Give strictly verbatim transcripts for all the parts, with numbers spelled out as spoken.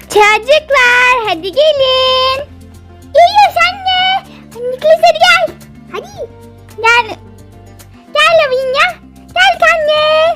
Çocuklar hadi gelin. Geliyoruz anne. Niklas hadi gel. Hadi. Gel. Gel Lavinia. Gel anne.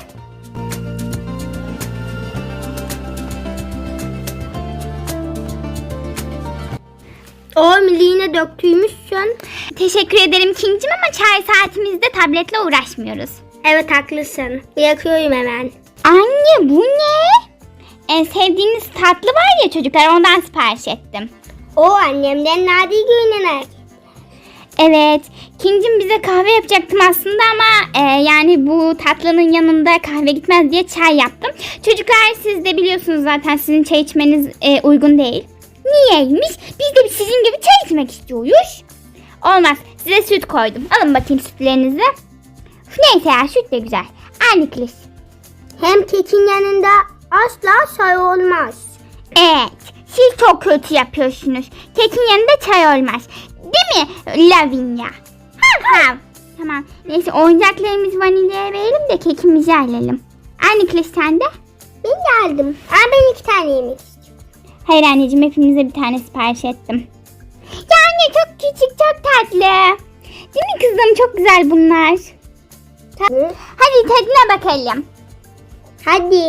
O yine döktüymüşsün. Teşekkür ederim King'cim ama çay saatimizde tabletle uğraşmıyoruz. Evet haklısın. Yakıyorum hemen. Anne bu ne? En sevdiğiniz tatlı var ya çocuklar, ondan sipariş ettim. O annemden nadir görünen. Evet, King'cim bize kahve yapacaktım aslında ama e, yani bu tatlının yanında kahve gitmez diye çay yaptım. Çocuklar siz de biliyorsunuz zaten sizin çay içmeniz e, uygun değil. Niyeymiş? Biz de sizin gibi çay içmek istiyoruz. Olmaz, size süt koydum. Alın bakayım sütlerinizi. Neyse ya, süt de güzel. Aynı klis. Hem kekin yanında asla çay olmaz. Evet, siz çok kötü yapıyorsunuz. Kekin yanında çay olmaz. Değil mi Lavinia? Ha ha. Tamam. Neyse oyuncaklarımızı vanilyaya verelim de kekimizi alalım. Aynı klas sende? Ben geldim. Ama ben iki tane yemek istiyorum. Hayır anneciğim, hepimize bir tane sipariş ettim. Ya anne çok küçük, çok tatlı. Değil mi kızım? Çok güzel bunlar. Hı? Hadi tadına bakalım. Hadi.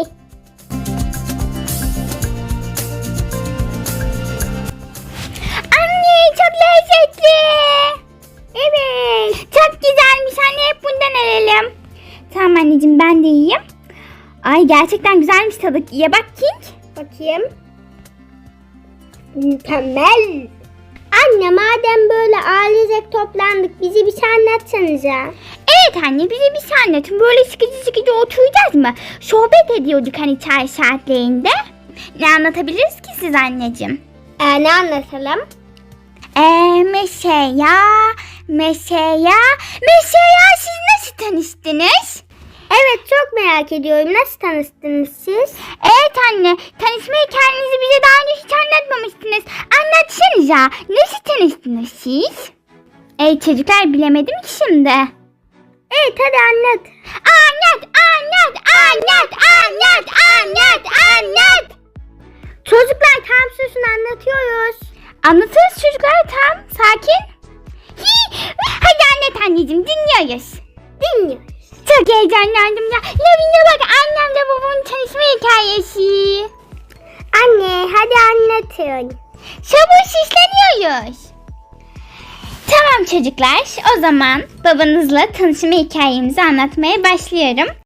Anne çok lezzetli. Evet. Çok güzelmiş anne, hep bundan alalım. Tamam anneciğim, ben de yiyeyim. Ay gerçekten güzelmiş tadı. Ye bak King. Bakayım. Mükemmel. Anne madem böyle ailecek toplandık bizi bir şey anlatsanıza. Evet anne, bize bir şey anlatın. Böyle sıkıcı sıkıcı oturacağız mı? Sohbet ediyorduk hani çay saatlerinde. Ne anlatabiliriz ki siz anneciğim? Ee, ne anlatalım? Eee mesela, mesela, mesela siz nasıl tanıştınız? Evet çok merak ediyorum. Nasıl tanıştınız siz? Evet anne, tanışma hikayenizi bize daha önce hiç anlatmamıştınız. Anlatsanıza, nasıl tanıştınız siz? Ey çocuklar, bilemedim ki şimdi. Evet hadi anlat. Anlat, anlat, anlat, anlat, anlat, anlat. Çocuklar tam susun anlatıyoruz. Anlatırız çocuklar, tam sakin. Hi, hadi anlat anneciğim, dinliyoruz. Dinliyoruz. Çok heyecanlandım ya. Lavinia bak, annemle babamın tanışma hikayesi. Anne hadi anlatın. Sabırsızlanıyoruz. Tamam çocuklar, o zaman babanızla tanışma hikayemizi anlatmaya başlıyorum.